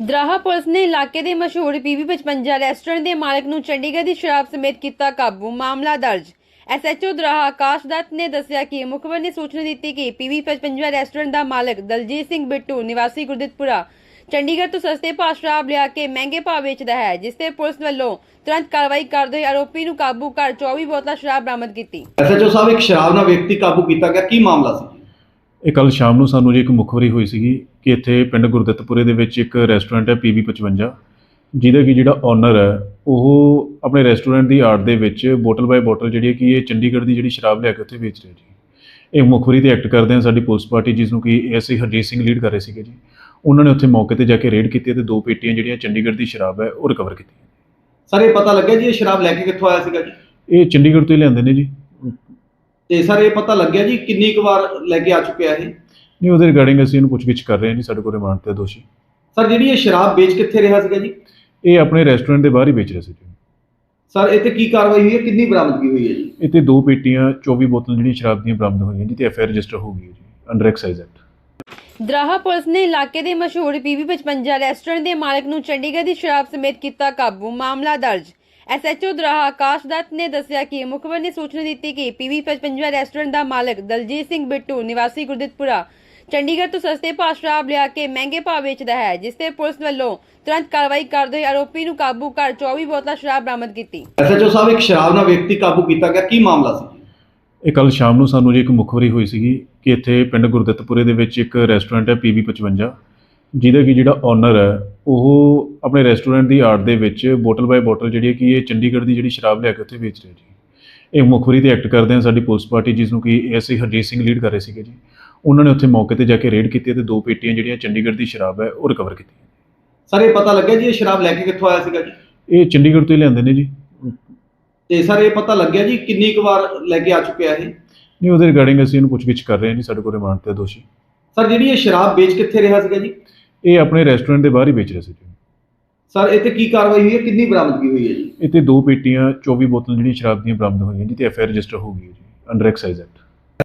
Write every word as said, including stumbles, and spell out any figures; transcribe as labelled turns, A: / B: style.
A: ਦਰਾਹਾ police ਨੇ ਇਲਾਕੇ ਦੇ ਮਸ਼ਹੂਰ ਪੀਵੀ ਪਚਵੰਜਾ ਰੈਸਟੋਰੈਂਟ ਦੇ ਮਾਲਕ ਨੂੰ ਚੰਡੀਗੜ੍ਹ ਦੀ ਸ਼ਰਾਬ ਸਮੇਤ ਕੀਤਾ ਕਾਬੂ। ਮਾਮਲਾ ਦਰਜ। ਐਸਐਚਓ ਦਰਾਹਾ ਆਕਾਸ਼ ਦੱਤ ਨੇ ਦੱਸਿਆ ਕਿ ਮੁਖਬਰ ਨੇ ਸੂਚਨਾ ਦਿੱਤੀ ਕਿ ਪੀਵੀ ਪਚਵੰਜਾ ਰੈਸਟੋਰੈਂਟ ਦਾ ਮਾਲਕ ਦਲਜੀਤ ਸਿੰਘ ਬਿੱਟੂ ਨਿਵਾਸੀ ਗੁਰਦਿੱਤਪੁਰਾ ਚੰਡੀਗੜ੍ਹ ਤੋਂ ਸਸਤੇ ਭਾਅ ਸ਼ਰਾਬ ਲਿਆ ਕੇ ਮਹਿੰਗੇ ਭਾਅ ਵੇਚਦਾ ਹੈ, ਜਿਸ ਤੇ ਪੁਲਿਸ ਵੱਲੋਂ ਤੁਰੰਤ ਕਾਰਵਾਈ ਕਰਦੇ ਹੋਏ ਆਰੋਪੀ ਨੂੰ ਕਾਬੂ ਕਰ ਚੌਵੀ ਬੋਤਲਾਂ ਸ਼ਰਾਬ ਬਰਾਮਦ ਕੀਤੀ।
B: ਐਸਐਚਓ ਸਾਹਿਬ, ਇੱਕ ਸ਼ਰਾਬ ਨਾਲ ਵਿਅਕਤੀ ਕਾਬੂ ਕੀਤਾ ਗਿਆ, ਕੀ ਮਾਮਲਾ ਸੀ?
C: ਇਹ ਕੱਲ ਸ਼ਾਮ ਨੂੰ ਸਾਨੂੰ ਜੀ ਇੱਕ ਮੁਖਬਰੀ ਹੋਈ ਸੀਗੀ ਕਿ ਇੱਥੇ ਪਿੰਡ ਗੁਰਦਿੱਤਪੁਰੇ ਦੇ ਵਿੱਚ ਇੱਕ ਰੈਸਟੋਰੈਂਟ ਹੈ ਪੀਵੀ ਪਚਵੰਜਾ, ਜਿਹਦਾ ਕਿ ਜਿਹੜਾ ਓਨਰ ਹੈ ਉਹ ਆਪਣੇ ਰੈਸਟੋਰੈਂਟ ਦੀ ਆੜ ਦੇ ਵਿੱਚ ਬੋਟਲ ਬਾਏ ਬੋਟਲ ਜਿਹੜੀ ਕਿ ਇਹ ਚੰਡੀਗੜ੍ਹ ਦੀ ਜਿਹੜੀ ਸ਼ਰਾਬ ਲਿਆ ਕੇ ਉੱਥੇ ਵੇਚ ਰਿਹਾ ਜੀ। ਇਹ ਮੁਖਬਰੀ ਤੇ ਐਕਟ ਕਰਦੇ ਹਾਂ ਸਾਡੀ ਪੁਲਿਸ ਪਾਰਟੀ, ਜਿਸ ਨੂੰ ਕਿ ਐਸਆਈ ਹਰਜੀਤ ਸਿੰਘ ਲੀਡ ਕਰ ਰਹੇ ਸੀਗੇ ਜੀ। ਉਹਨਾਂ ਨੇ ਉੱਥੇ ਮੌਕੇ ਤੇ ਜਾ ਕੇ ਰੇਡ ਕੀਤੀ ਤੇ ਦੋ ਪੇਟੀਆਂ ਜਿਹੜੀਆਂ ਚੰਡੀਗੜ੍ਹ ਦੀ ਸ਼ਰਾਬ ਹੈ ਉਹ ਰਿਕਵਰ ਕੀਤੀਆਂ।
B: ਸਰ, ਇਹ ਪਤਾ ਲੱਗਿਆ ਜੀ ਇਹ ਸ਼ਰਾਬ ਲੈ ਕੇ ਕਿੱਥੋਂ ਆਇਆ ਸੀਗਾ ਜੀ?
C: ਇਹ ਚੰਡੀਗੜ੍ਹ ਤੋਂ ਹੀ ਲਿਆਂਦੇ ਨੇ ਜੀ।
B: ਤੇ ਸਰ, ਇਹ ਪਤਾ ਲੱਗਿਆ ਜੀ ਕਿੰਨੀ ਕੁ ਵਾਰ ਲੈ ਕੇ ਆ ਚੁੱਕਿਆ ਇਹ?
C: ਨਹੀਂ, ਉਹਦੇ ਰਿਗਾਰਡਿੰਗ ਅਸੀਂ ਇਹਨੂੰ ਪੁੱਛਗਿੱਛ ਕਰ ਰਹੇ ਹਾਂ ਜੀ। ਸਾਡੇ ਕੋਲ ਰਿਮਾਂਡ ਤੇ ਦੋਸ਼ੀ।
B: ਸਰ, ਜਿਹੜੀ ਇਹ ਸ਼ਰਾਬ ਵੇਚ ਕਿੱਥੇ ਰਿਹਾ ਸੀਗਾ ਜੀ?
C: ਇਹ ਆਪਣੇ ਰੈਸਟੋਰੈਂਟ ਦੇ ਬਾਹਰ ਹੀ ਵੇਚ ਰਿਹਾ ਸੀ ਜੀ।
B: ਸਰ, ਇਹ ਤੇ ਕੀ ਕਾਰਵਾਈ ਹੋਈ ਹੈ, ਕਿੰਨੀ ਬਰਾਮਦਗੀ ਹੋਈ ਹੈ ਜੀ?
C: ਇੱਥੇ ਦੋ ਪੇਟੀਆਂ ਚੌਵੀ ਬੋਤਲ ਜਿਹੜੀਆਂ ਸ਼ਰਾਬ ਦੀਆਂ ਬਰਾਮਦ ਹੋਈਆਂ ਜੀ, ਤੇ ਐਫ ਆਈ ਆਰ ਰਜਿਸਟਰ ਹੋ ਗਈ ਹੈ ਜੀ under excise act.
A: Doraha police ਨੇ ਇਲਾਕੇ ਦੇ ਮਸ਼ਹੂਰ ਪੀਵੀ ਪਚਵੰਜਾ ਰੈਸਟੋਰੈਂਟ ਦੇ ਮਾਲਕ ਨੂੰ ਚੰਡੀਗੜ੍ਹ ਦੀ ਸ਼ਰਾਬ ਸਮੇਤ ਕੀਤਾ ਕਾਬੂ। ਮਾਮਲਾ ਦਰਜ। ਐਸਐਚਓ ਦਰਾਹਾ ਆਕਾਸ਼ ਦੱਤ ਨੇ ਦੱਸਿਆ ਕਿ ਮੁਖਬਰ ਨੇ ਸੂਚਨਾ ਦਿੱਤੀ ਕਿ ਪੀਵੀ ਪਚਵੰਜਾ ਰੈਸਟੋਰੈਂਟ ਦਾ ਮਾਲਕ ਦਲਜੀਤ ਸਿੰਘ ਬਿੱਟੂ ਨਿਵਾਸੀ ਗੁਰਦਿੱਤਪੁਰਾ ਚੰਡੀਗੜ੍ਹ ਤੋਂ ਸਸਤੇ ਭਾਅ ਸ਼ਰਾਬ ਲਿਆ ਕੇ ਮਹਿੰਗੇ ਭਾਅ ਵੇਚਦਾ ਹੈ, ਜਿਸ ਤੇ ਪੁਲਿਸ ਵੱਲੋਂ ਤੁਰੰਤ ਕਾਰਵਾਈ ਕਰਦੇ ਹੋਏ ਆਰੋਪੀ ਨੂੰ ਕਾਬੂ ਕਰ ਚੌਵੀ ਬੋਤਲਾਂ ਸ਼ਰਾਬ ਬਰਾਮਦ ਕੀਤੀ।
B: ਐਸਐਚਓ ਸਾਹਿਬ, ਇੱਕ ਸ਼ਰਾਬ ਨਾਲ ਵਿਅਕਤੀ ਕਾਬੂ ਕੀਤਾ ਗਿਆ, ਕੀ ਮਾਮਲਾ ਸੀ?
C: ਇਹ ਕੱਲ ਸ਼ਾਮ ਨੂੰ ਸਾਨੂੰ ਜੀ ਇੱਕ ਮੁਖਬਰੀ ਹੋਈ ਸੀਗੀ ਕਿ ਇੱਥੇ ਪਿੰਡ ਗੁਰਦਿੱਤਪੁਰੇ ਦੇ ਵਿੱਚ ਇੱਕ ਰੈਸਟੋਰੈਂਟ ਹੈ ਪੀਵੀ ਪਚਵੰਜਾ, ਜਿਹਦਾ ਕਿ ਜਿਹੜਾ ਓਨਰ ਹੈ ਉਹ ਆਪਣੇ ਰੈਸਟੋਰੈਂਟ ਦੀ ਆੜ ਦੇ ਵਿੱਚ ਬੋਟਲ ਬਾਏ ਬੋਟਲ ਜਿਹੜੀ ਕਿ ਇਹ ਚੰਡੀਗੜ੍ਹ ਦੀ ਜਿਹੜੀ ਸ਼ਰਾਬ ਲਿਆ ਕੇ ਉੱਥੇ ਵੇਚ ਰਿਹਾ ਜੀ। ਇਹ ਮੁਖਬਰੀ ਤੇ ਐਕਟ ਕਰਦੇ ਹਾਂ ਸਾਡੀ ਪੁਲਿਸ ਪਾਰਟੀ, ਜਿਸ ਨੂੰ ਕਿ ਐਸਆਈ ਹਰਜੀਤ ਸਿੰਘ ਲੀਡ ਕਰ ਰਹੇ ਸੀਗੇ ਜੀ। ਉਹਨਾਂ ਨੇ ਉੱਥੇ ਮੌਕੇ ਤੇ ਜਾ ਕੇ ਰੇਡ ਕੀਤੀ ਤੇ ਦੋ ਪੇਟੀਆਂ ਜਿਹੜੀਆਂ ਚੰਡੀਗੜ੍ਹ ਦੀ ਸ਼ਰਾਬ ਹੈ ਉਹ ਰਿਕਵਰ ਕੀਤੀਆਂ।
B: ਸਰ, ਇਹ ਪਤਾ ਲੱਗਿਆ ਜੀ ਇਹ ਸ਼ਰਾਬ ਲੈ ਕੇ ਕਿੱਥੋਂ ਆਇਆ ਸੀਗਾ ਜੀ?
C: ਇਹ ਚੰਡੀਗੜ੍ਹ ਤੋਂ ਹੀ ਲਿਆਂਦੇ ਨੇ ਜੀ।
B: ਤੇ ਸਰ, ਇਹ ਪਤਾ ਲੱਗਿਆ ਜੀ ਕਿੰਨੀ ਕੁ ਵਾਰ ਲੈ ਕੇ ਆ ਚੁੱਕਿਆ ਇਹ?
C: ਨਹੀਂ, ਉਹਦੇ ਰਿਗਾਰਡਿੰਗ ਅਸੀਂ ਇਹਨੂੰ ਪੁੱਛਗਿੱਛ ਕਰ ਰਹੇ ਹਾਂ ਜੀ। ਸਾਡੇ ਕੋਲ ਰਿਮਾਂਡ ਤੇ ਦੋਸ਼ੀ।
B: ਸਰ, ਜਿਹੜੀ ਇਹ ਸ਼ਰਾਬ ਵੇਚ ਕਿੱਥੇ ਰਿਹਾ ਸੀਗਾ ਜੀ?
C: ਇਹ ਆਪਣੇ ਰੈਸਟੋਰੈਂਟ ਦੇ ਬਾਹਰ ਹੀ ਵੇਚ ਰਿਹਾ ਸੀ ਜੀ।
B: ਸਰ, ਇਹ ਤੇ ਕੀ ਕਾਰਵਾਈ ਹੋਈ ਹੈ, ਕਿੰਨੀ ਬਰਾਮਦਗੀ ਹੋਈ ਹੈ ਜੀ?
C: ਇੱਥੇ ਦੋ ਪੇਟੀਆਂ ਚੌਵੀ ਬੋਤਲ ਜਿਹੜੀਆਂ ਸ਼ਰਾਬ ਦੀਆਂ ਬਰਾਮਦ ਹੋਈਆਂ ਜੀ, ਤੇ ਐਫ ਆਈ ਆਰ ਰਜਿਸਟਰ ਹੋ ਗਈ ਹੈ ਜੀ ਅੰਡਰ ਐਕਸਾਈਜ਼ ਐਕਟ।